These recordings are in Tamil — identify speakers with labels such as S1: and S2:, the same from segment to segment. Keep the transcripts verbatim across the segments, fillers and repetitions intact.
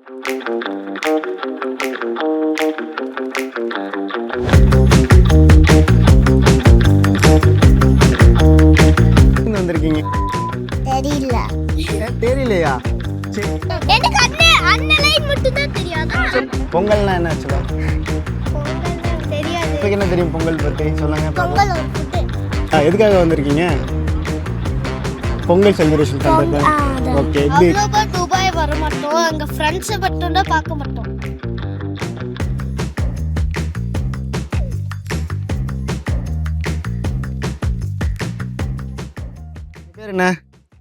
S1: எங்க வந்திருக்கீங்க?
S2: தெரியல.
S1: ஏன் தெரியலையா? சரி.
S2: எனக்கு அண்ணே அண்ணலைன் மட்டும் தான் தெரியாதா?
S1: பொங்கல்னா என்ன ஆக்சுவலா?
S2: பொங்கல் தெரியாது.
S1: உங்களுக்கு என்ன தெரியும் பொங்கல் பத்தி சொல்லுங்க.
S2: பொங்கல் ஒரு ஃபுட்.
S1: ஆ, எதுக்காக வந்திருக்கீங்க? பொங்கல் செலிப்ரேஷன் பண்றது. ஓகே. எப்படி
S2: அவ்வளோவா துபாய் வர மாட்டோம். அங்க ஃப்ரெண்ட்ஸ் மட்டும் தான் பார்க்க மாட்டோம்.
S1: பேர் என்ன?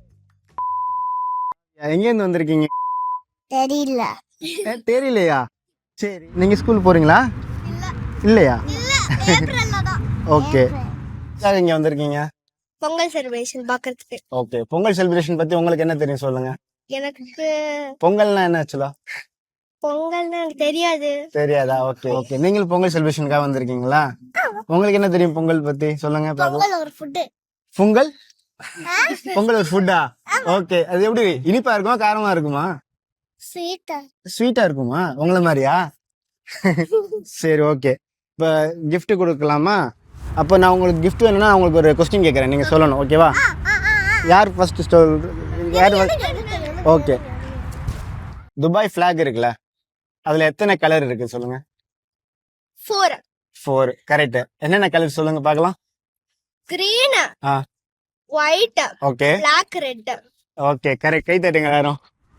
S1: எங்க இருந்து வந்திருக்கீங்க?
S2: தெரியல.
S1: ஏன் தெரியலையா? சரி. நீங்க ஸ்கூல் போறீங்களா?
S2: இல்ல.
S1: இல்லையா?
S2: இல்ல. ஏப்ரல்ல தான்.
S1: ஓகே. எதுக்காக இங்க வந்திருக்கீங்க?
S2: பொங்கல் செலிப்ரேஷன் பார்க்கிறதுக்கு.
S1: ஓகே. பொங்கல் செலிப்ரேஷன் பத்தி உங்களுக்கு என்ன தெரியும் சொல்லுங்க.
S2: எனக்கு
S1: பொங்கல்னா என்ன ஆக்சுவலா?
S2: பொங்கல்னா எனக்கு தெரியாது.
S1: தெரியாதா? Okay okay. நீங்களும் பொங்கல் செலிப்ரேஷனுக்காக வந்திருக்கீங்களா? உங்களுக்கு என்ன தெரியும் பொங்கல் பத்தி சொல்லுங்க பாக்கலாம்.
S2: பொங்கல் ஒரு ஃபுட்.
S1: பொங்கல் பொங்கல் ஒரு ஃபுட்டா? ஓகே. அது எப்படி இனிப்பா இருக்குமா காரமா இருக்குமா?
S2: ஸ்வீட்.
S1: ஸ்வீட்டா இருக்குமா? உங்கள மாதிரியா? சரி ஓகே. இப்போ gift கொடுக்கலாமா? அப்போ நான் உங்களுக்கு gift வேணும்னா உங்களுக்கு ஒரு கொஸ்டின் கேட்குறேன், நீங்க சொல்லணும். ஓகேவா? யார் ஃபர்ஸ்ட் ஸ்டோல் யார்? ஓகே. துபாய் ஃபிளாக் இருக்குல்ல, அதுல எத்தனை கலர் இருக்கு சொல்லுங்க.
S2: ஃபோர்.
S1: ஃபோர். கரெக்ட். என்னென்ன கலர் சொல்லுங்க பார்க்கலாம்.
S2: கிரீன்,
S1: ஆ
S2: white,
S1: okay
S2: black, red.
S1: Okay correct. கை தட்டுங்க எல்லாரும்.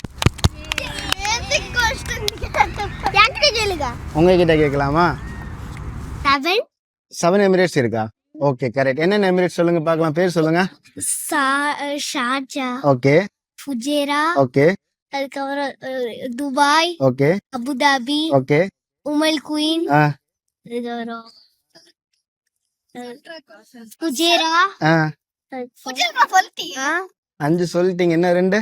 S2: யார்கிட்ட கேளுங்க.
S1: உங்ககிட்ட கேட்கலாமா?
S2: செவன்.
S1: செவன் எமிரேட்ஸ் இருக்கா? Okay correct. என்னென்ன எமிரேட்ஸ் சொல்லுங்க பார்க்கலாம், பேர் சொல்லுங்க.
S2: ஷார்ஜா,
S1: ஓகே
S2: ஃபுஜேரா,
S1: ஓகே
S2: அதுக்கப்புறம் அஹ், Dubai,
S1: okay
S2: Abu Dhabi,
S1: okay
S2: Umm al Quwain,
S1: ஆ
S2: அதுக்கப்புறம் அஹ், ஃபுஜேரா,
S1: ஆ
S2: ஆ,
S1: அஞ்சு சொல்லிட்டீங்க. என்ன ரெண்டு?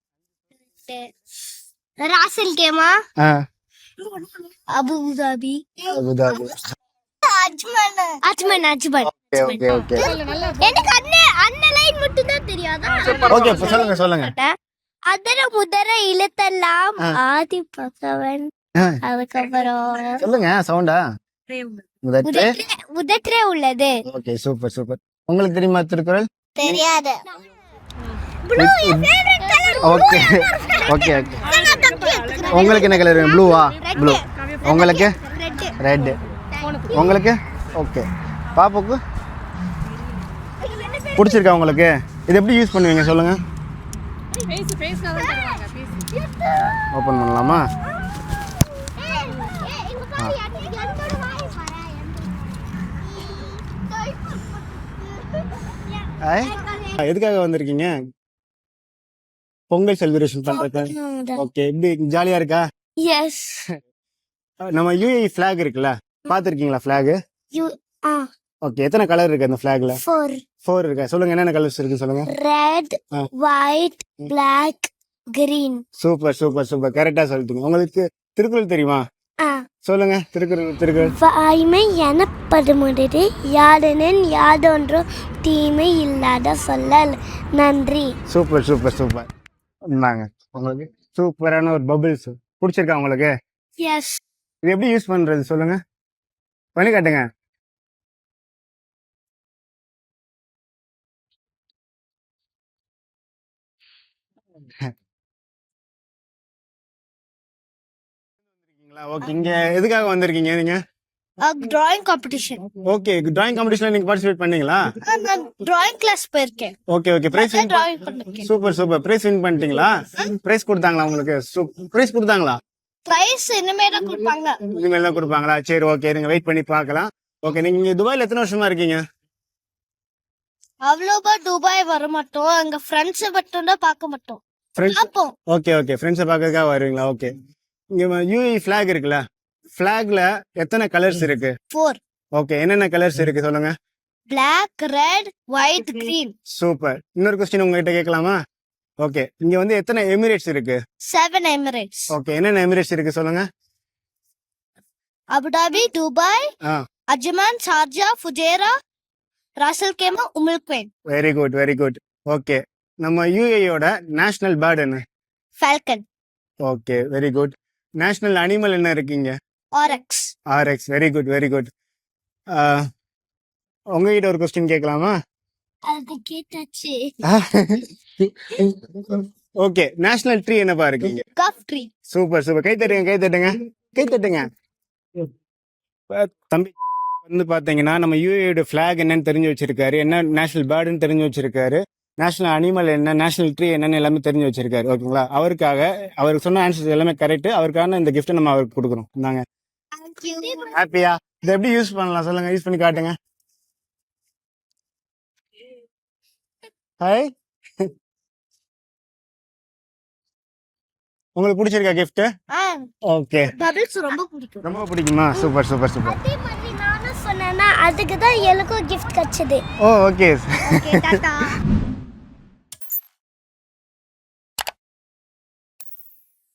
S2: ராசல் கேமா,
S1: ஆ
S2: Abu Dhabi,
S1: Abu Dhabi.
S2: Ajman Ajman Ajman.
S1: Okay okay okay
S2: எனக்கு அண்ணே அண்ணலைன் மட்டும் தான் தெரியாதா?
S1: ஓகே இப்போ சொல்லுங்க சொல்லுங்க.
S2: அதர முதர இழுத்தெல்லாம் ஆதி பகவன்,
S1: ஆ,
S2: அதுக்கப்புறம்
S1: சொல்லுங்க சவுண்டா. முதற்று.
S2: உதற்றே உதற்றே உள்ளது.
S1: Okay super super. உங்களுக்கு தெரியுமா திருக்குறள்?
S2: தெரியாது.
S1: Okay okay okay. உங்களுக்கு என்ன கலர்? ப்ளூவா? ப்ளூ. உங்களுக்கு ரெட். உங்களுக்கு ஓகே. பாப்புக்கு பிடிச்சிருக்கா உங்களுக்கு? இது எப்படி யூஸ் பண்ணுவீங்க சொல்லுங்க. ஓப்பன் பண்ணலாமா? ஐ, எதுக்காக வந்திருக்கீங்க? பொங்கல் செலிப்ரேஷன் பண்றது. ஓகே. எப்படி ஜாலியா இருக்கா?
S2: எஸ்.
S1: நம்ம யூஏஇ ஃபிளாக் இருக்குல்ல, பாத்திருக்கீங்களா ஃபிளாக்?
S2: யூ ஆ
S1: ஓகே. எத்தனை கலர் இருக்கு அந்த ஃபிளாக்ல?
S2: ஃபோர்.
S1: ஃபோர் இருக்கா? சொல்லுங்க என்னென்ன கலர்ஸ் இருக்கு சொல்லுங்க.
S2: ரெட்,
S1: ஆ.
S2: White, black, green.
S1: Super super super. கரெக்டா சொல்லிட்டீங்க. உங்களுக்கு திருக்குறள் தெரியுமா?
S2: ஆ.
S1: சொல்லுங்க திருக்குறள். திருக்குறள்.
S2: வாய்மை எனப்படுமுடிது யாதெனின் யாதொன்றும் தீமை இல்லாத சொல்லல். நன்றி.
S1: Super super super. இந்தாங்க உங்களுக்கு சூப்பரான ஒரு பபிள்ஸ். பிடிச்சிருக்கா உங்களுக்கு?
S2: எஸ்.
S1: இது எப்படி யூஸ் பண்றது சொல்லுங்க, பண்ணி காட்டுங்க. ஓகே. இங்க எதுக்காக வந்திருக்கீங்க நீங்க?
S2: Drawing competition.
S1: ஓகே. டிராயிங் காம்படிஷன்ல நீங்க பார்ட்டிசிபேட் பண்ணீங்களா?
S2: நான் டிராயிங் கிளாஸ் போயிருக்கேன்.
S1: Okay okay. Prize win.
S2: Drawing பண்ணிருக்கேன்.
S1: Super super. பிரைஸ் வின் பண்ணிட்டீங்களா? பிரைஸ் கொடுத்தாங்களா உங்களுக்கு? பிரைஸ் கொடுத்தாங்களா?
S2: பிரைஸ் இனிமே தான் கொடுப்பாங்க.
S1: இனிமேல் தான் கொடுப்பாங்களா? சரி ஓகே. நீங்க வெயிட் பண்ணி பார்க்கலாம். ஓகே. நீங்க இங்க துபாய்ல எத்தனை வருஷமா இருக்கீங்க?
S2: அவ்வளோவா துபாய் வர மாட்டோம். அங்க ஃப்ரெண்ட்ஸ் மட்டும் தான் பார்க்க மாட்டோம்.
S1: ஃப்ரெண்ட்ஸ்.
S2: அப்போ
S1: ஓகே ஓகே. ஃப்ரெண்ட்ஸை பார்க்கறதுக்காக வருவீங்களா? ஓகே. இங்க யூஏஇ ஃபிளாக் இருக்குல்ல, ஃபிளாக்ல எத்தனை கலர்ஸ் இருக்கு?
S2: ஃபோர்.
S1: ஓகே. என்னென்ன கலர்ஸ் இருக்கு சொல்லுங்க.
S2: Black, red, white, green.
S1: Super. இன்னொரு கொஸ்டின் உங்ககிட்ட கேட்கலாமா? ஓகே. இங்க வந்து எத்தனை எமிரேட்ஸ் இருக்கு?
S2: Seven Emirates.
S1: ஓகே. என்னென்ன எமிரேட்ஸ் இருக்கு சொல்லுங்க.
S2: அபுதாபி, துபாய்,
S1: ஆ
S2: Ajman, Sharjah, Fujairah, Ras al Khaimah, Umm al Quwain.
S1: Very good very good. Okay. நம்ம யூஏஇயோட நேஷனல் பேர்ட் என்ன?
S2: Falcon.
S1: Okay very good. National animal என்ன இருக்கீங்க?
S2: Oryx.
S1: Oryx. Very good very good. உங்ககிட்ட ஒரு கொஸ்டின் கேட்கலாமா?
S2: அது கேட்டாச்சு.
S1: ஓகே, நேஷனல் ட்ரீ என்னப்பா இருக்கீங்க?
S2: Ghaf tree.
S1: Super super. கை தட்டுங்க கை தட்டுங்க கை தட்டுங்க. இப்ப தம்பி வந்து பாத்தீங்கன்னா நம்ம யூஏயோட ஃபிளாக் என்னன்னு தெரிஞ்சு வச்சிருக்காரு, என்ன நேஷனல் பேர்டுன்னு தெரிஞ்சு வச்சிருக்காரு, நேஷனல் அனிமல் என்ன, நேஷனல் ட்ரீ என்னன்னு எல்லாமே தெரிஞ்சு வச்சிருக்காரு. ஓகேங்களா? அவருக்காக அவருக்கு சொன்ன ஆன்சர்ஸ் எல்லாமே கரெக்ட். அவருக்கான இந்த கிஃப்ட் நம்ம அவருக்கு கொடுக்குறோம். இந்தாங்க. ஹாப்பியா? இதை எப்படி யூஸ் பண்ணலாம் சொல்லுங்க, யூஸ் பண்ணி காட்டுங்க. ஹாய். உங்களுக்கு பிடிச்சிருக்கா கிஃப்ட்? ஓகே.
S2: பபிள்ஸ் ரொம்ப பிடிக்கும்.
S1: ரொம்ப பிடிக்குமா? Super super super.
S2: அதே மாதிரி நானும் சொன்னேன்னா அதுக்கு தான் எனக்கும் கிஃப்ட் கிடைச்சது.
S1: ஓ ஓகே.
S2: ஓகே டாடா.